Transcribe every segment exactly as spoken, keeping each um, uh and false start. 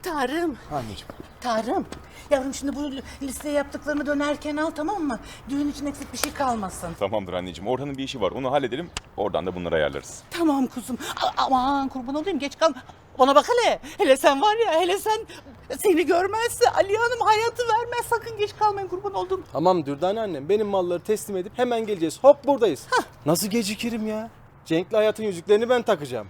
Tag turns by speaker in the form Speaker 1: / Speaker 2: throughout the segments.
Speaker 1: Tarım.
Speaker 2: Anneciğim.
Speaker 1: Tarım. Yavrum şimdi bu listeye yaptıklarını dönerken al, tamam mı? Düğün için eksik bir şey kalmasın.
Speaker 3: Tamamdır anneciğim. Orhan'ın bir işi var. Onu halledelim. Oradan da bunları ayarlarız.
Speaker 1: Tamam kuzum. A- aman kurban olayım, geç kalma. Bana bak hele. Hele sen var ya, hele sen seni görmezse Ali Hanım hayatı vermez. Sakın geç kalmayın, kurban oldum.
Speaker 2: Tamam Dürdane annem. Benim malları teslim edip hemen geleceğiz. Hop buradayız. Hah. Nasıl gecikirim ya? Cenk'le hayatın yüzüklerini ben takacağım.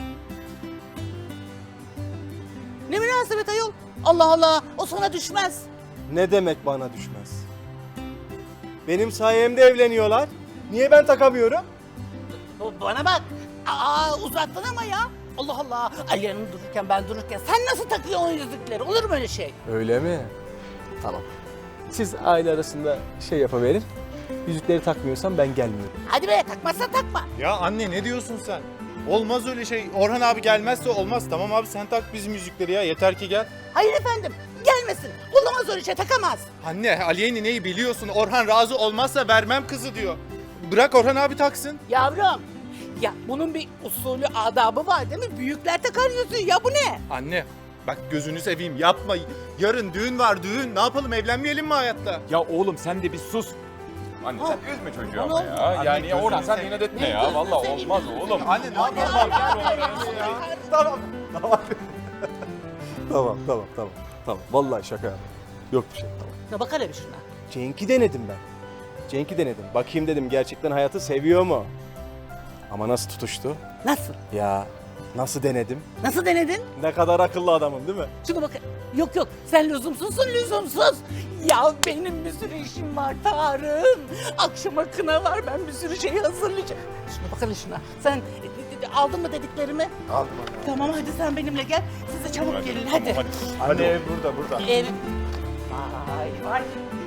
Speaker 1: Ne münasebet ayol. Allah Allah, o sana düşmez.
Speaker 2: Ne demek bana düşmez? Benim sayemde evleniyorlar. Niye ben takamıyorum?
Speaker 1: B- Bana bak. Aa, uzattın ama ya. Allah Allah. Ali Hanım dururken ben dururken sen nasıl takıyorsun o yüzükleri? Olur mu öyle şey?
Speaker 2: Öyle mi? Tamam. Siz aile arasında şey yapıverin. Yüzükleri takmıyorsam ben gelmiyorum.
Speaker 1: Hadi be, takmazsan takma.
Speaker 4: Ya anne ne diyorsun sen? Olmaz öyle şey. Orhan abi gelmezse olmaz. Tamam abi sen tak bizim müzikleri ya. Yeter ki gel.
Speaker 1: Hayır efendim, gelmesin. Olamaz öyle şey, takamaz.
Speaker 4: Anne Aliye neyi biliyorsun? Orhan razı olmazsa vermem kızı diyor. Bırak Orhan abi taksın.
Speaker 1: Yavrum, ya bunun bir usulü, adabı var değil mi? Büyükler takar yüzüğü, ya bu ne?
Speaker 4: Anne bak gözünü seveyim yapma. Yarın düğün var düğün. Ne yapalım evlenmeyelim mi hayatta?
Speaker 3: Ya oğlum sen de bir sus. Anne
Speaker 1: Ha.
Speaker 3: sen üzme çocuğu
Speaker 1: Onu-
Speaker 3: ama ya.
Speaker 4: Anne,
Speaker 3: Yani ya Orhan
Speaker 4: gözünü
Speaker 3: sen
Speaker 4: seveyim.
Speaker 3: inat etme
Speaker 1: Ne
Speaker 3: ya.
Speaker 1: gözünü
Speaker 3: Vallahi
Speaker 1: seveyim,
Speaker 3: olmaz
Speaker 1: gözünü
Speaker 3: oğlum.
Speaker 4: Anne ne yapalım?
Speaker 2: Tamam. Tamam. tamam, tamam, tamam. Tamam. Vallahi şaka yaptım. Yok bir şey. Tamam.
Speaker 1: Ya bak hele bir şuna.
Speaker 2: Cenk'i denedim ben. Cenk'i denedim. Bakayım dedim gerçekten hayatı seviyor mu? Ama nasıl tutuştu?
Speaker 1: Nasıl?
Speaker 2: Ya nasıl denedim?
Speaker 1: Nasıl denedin?
Speaker 2: Ne kadar akıllı adamım değil mi?
Speaker 1: Şuna bak. Yok yok, sen lüzumsuzsun, lüzumsuz. Ya benim bir sürü işim var Tarım. Akşama kına var, ben bir sürü şey hazırlayacağım. Şuna bak hele şuna. Sen e, e, aldın mı dediklerimi?
Speaker 4: Aldım
Speaker 1: Tamam, hadi sen benimle gel. Siz de çabuk gelin hadi.
Speaker 3: Hadi.
Speaker 4: Anne ev burada burada.
Speaker 1: Ev. Vay vay.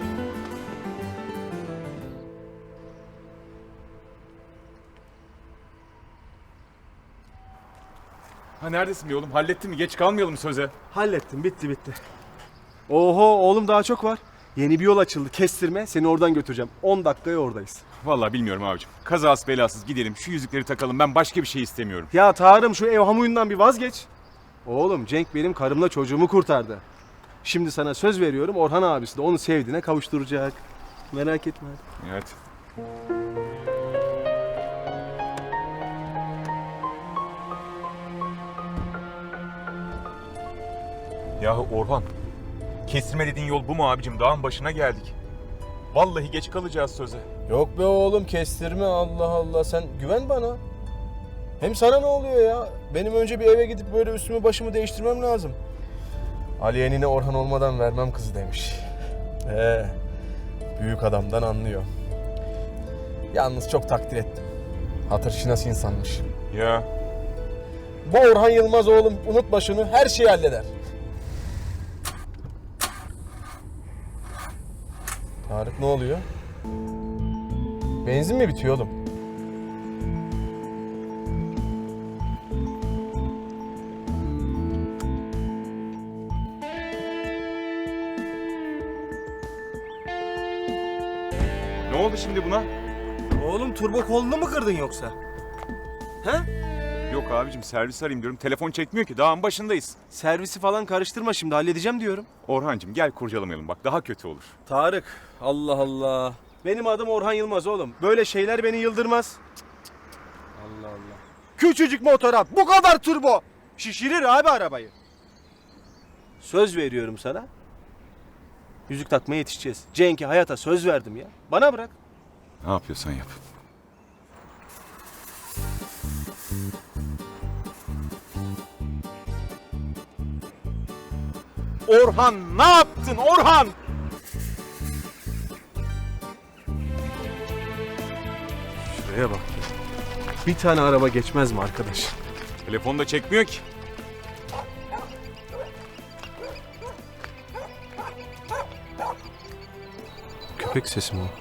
Speaker 3: Ha neredesin be oğlum? Hallettin mi? Geç kalmayalım söze.
Speaker 2: Hallettim. Bitti bitti. Oho oğlum daha çok var. Yeni bir yol açıldı. Kestirme. Seni oradan götüreceğim. on dakikaya oradayız.
Speaker 3: Vallahi bilmiyorum abicim. Kazası belasız gidelim. Şu yüzükleri takalım. Ben başka bir şey istemiyorum.
Speaker 2: Ya Tarım şu ev hamuyundan bir vazgeç. Oğlum Cenk benim karımla çocuğumu kurtardı. Şimdi sana söz veriyorum Orhan abisi de onu sevdiğine kavuşturacak. Merak etme.
Speaker 3: Evet. Yahu Orhan, kestirme dediğin yol bu mu abicim? Dağın başına geldik. Vallahi geç kalacağız söze.
Speaker 2: Yok be oğlum kestirme Allah Allah sen güven bana. Hem sana ne oluyor ya? Benim önce bir eve gidip böyle üstümü başımı değiştirmem lazım. Ali enine Orhan olmadan vermem kızı demiş. Ee, büyük adamdan anlıyor. Yalnız çok takdir ettim. Hatır şinas insanmış.
Speaker 3: Ya
Speaker 2: Bu Orhan Yılmaz oğlum unutma şunu her şeyi halleder. Tarık ne oluyor? Benzin mi bitiyor oğlum?
Speaker 3: ne oldu şimdi buna?
Speaker 2: Oğlum turbo kolunu mu kırdın yoksa? He?
Speaker 3: Yok abicim servis arayayım diyorum. Telefon çekmiyor ki. Dağın başındayız.
Speaker 2: Servisi falan karıştırma şimdi halledeceğim diyorum.
Speaker 3: Orhancığım gel kurcalamayalım bak. Daha kötü olur.
Speaker 2: Tarık Allah Allah. Benim adım Orhan Yılmaz oğlum. Böyle şeyler beni yıldırmaz. Allah Allah. Küçücük motora bu kadar turbo. Şişirir abi arabayı. Söz veriyorum sana. Yüzük takmaya yetişeceğiz. Cenk'e hayata söz verdim ya. Bana bırak.
Speaker 3: Ne yapıyorsan yap. Orhan ne yaptın Orhan?
Speaker 2: Şuraya bak. Bir tane araba geçmez mi arkadaş?
Speaker 3: Telefon da çekmiyor ki.
Speaker 2: Köpek sesi mi o?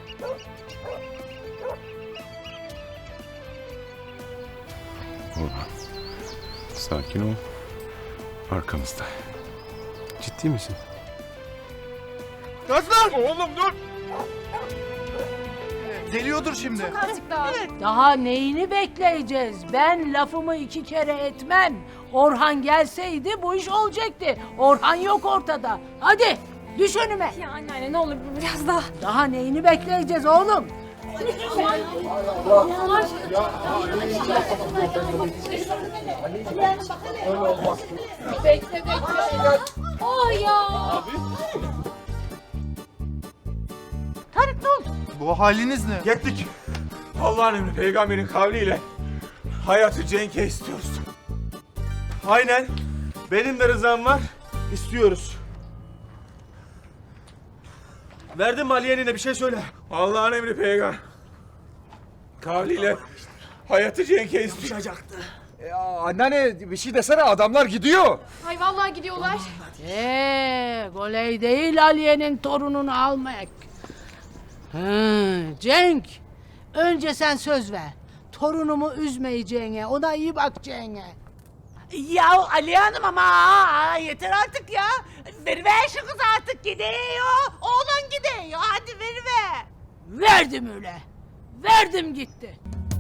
Speaker 3: Orhan sakin ol. Arkamızda.
Speaker 2: Ciddi misin?
Speaker 3: Gazlar! Oğlum dur!
Speaker 4: Geliyordur şimdi.
Speaker 5: Azıcık daha.
Speaker 6: Daha neyini bekleyeceğiz? Ben lafımı iki kere etmem. Orhan gelseydi bu iş olacaktı. Orhan yok ortada. Hadi düş önüme.
Speaker 5: Ya anneanne ne olur biraz daha.
Speaker 6: Daha neyini bekleyeceğiz oğlum?
Speaker 5: Bekle bekle. Oh ya.
Speaker 6: Tarık dur.
Speaker 4: Bu haliniz ne?
Speaker 3: Yettik. Allah'ın emri peygamberin kavliyle hayatı Cenk'e istiyoruz.
Speaker 2: Aynen. Benim de rızam var. İstiyoruz. Verdin mi Aliye'nine bir şey söyle.
Speaker 3: Allah'ın emri peygamber kavliyle hayatı Cenk'e istiyoruz.
Speaker 7: Ya anneanne bir şey desene adamlar gidiyor.
Speaker 5: Ay vallahi gidiyorlar.
Speaker 6: Eee goley değil Aliye'nin torununu almak. Hı, Cenk, önce sen söz ver. Torunumu üzmeyeceğine, ona iyi bakacağına.
Speaker 1: Ya Aliye Hanım ama aa, yeter artık ya. Veriver şu kız artık gidiyor. Oğlan gidiyor. Hadi veriver.
Speaker 6: Verdim öyle. Verdim gitti.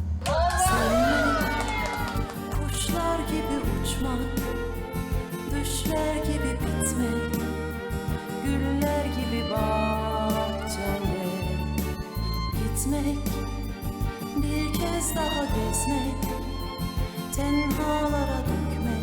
Speaker 8: Kuşlar gibi uçmak, düşler gibi bitmek, güller gibi bahçende gitmek, bir kez daha gezmek, tenhalara dökmek.